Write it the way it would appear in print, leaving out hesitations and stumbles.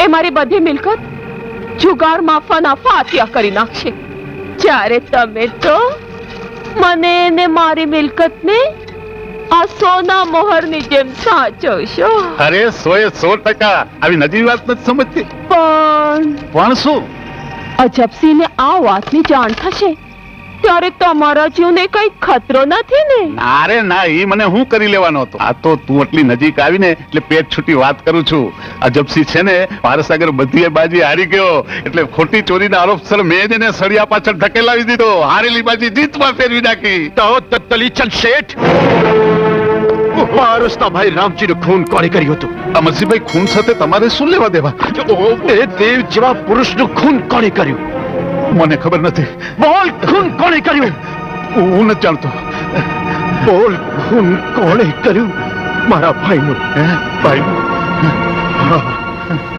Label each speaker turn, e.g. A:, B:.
A: એ મારી બધી મિલકત જુગાર માફાના ફાતિયા કરી નાખશે, જ્યારે તમે તો મને ને મારી મિલકતને આ સોના મોહરની જેમ સાચવશો.
B: અરે 100% આવી નજીવી વાત નથી સમજતી. પણ શું?
A: અજબસિંહને આ વાતની જાણ થશે ત્યારે તમારા જીવને કઈ ખતરો નથી ને?
B: અરે ના, એ મને હું કરી લેવાનો હતો. આ તો તું એટલી નજીક આવીને એટલે પેટ છૂટી વાત કરું છું. અજબસિંહ છે ને પારસાગર બધી બાજી હારી ગયો, એટલે ખોટી ચોરીના આરોપસર મેં એને સળિયા પાછળ ધકેલાવી દીધો. હારેલી બાજી જીતમાં ફેરવી નાખી.
C: તો તલીચંદ શેઠ, પારસના ભાઈ રામજીનું ખૂન કોણે કર્યું હતું?
B: અમરસિંહભાઈ, ખૂન સાથે તમારે શું લેવા દેવા?
C: એ દેવ જેવા પુરુષનું ખૂન કોણે કર્યું?
B: મને ખબર નથી.
C: બોલ, ખૂન કોણે કર્યું?
B: હું નથી જાણતો.
C: બોલ, ખૂન કોણે કર્યું? મારા ભાઈનું.
B: ભાઈ?